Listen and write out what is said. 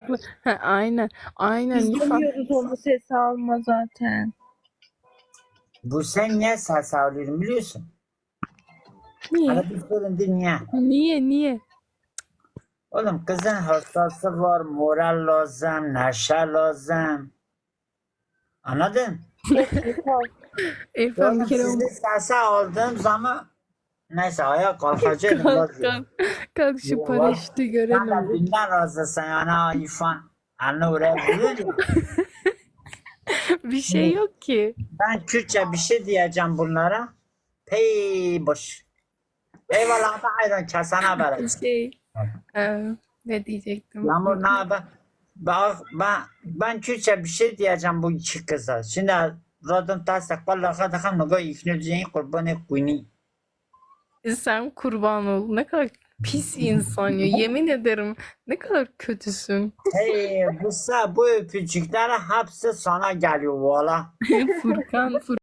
Mantıklı. Ha, aynen. Aynen. Biz İrfan. demiyoruz onu ses alma zaten. Bu sen niye ses alıyorum biliyorsun? Niye? Hadi bir sorun değil niye? Niye? Oğlum kızın hastası var, moral lazım, neşe lazım. Anladın? İrfan bir Oğlum kere sizi sese aldığım zaman neyse ayağa kalkacaktım. kalk kalk. Kalk şu paraşütü Sen de görelim. dünden razısın yani ha İrfan. Anne oraya vuruyor ya. Bir şey yok ki. Ben Kürtçe bir şey diyeceğim bunlara. Pey boş. Eyvallah da ayran kesene bereket. Ne diyecektim? Yağmur ne haber? Bak ben Kürtçe bir şey diyeceğim bu iki kıza. Şimdi radyon tasdik vallahi kadar ne kadar ikna kurbanı kuyni. Sen kurban ol. Ne kadar pis insan ya. Yemin ederim ne kadar kötüsün. Hey bu öpücükler hepsi sana geliyor valla. Furkan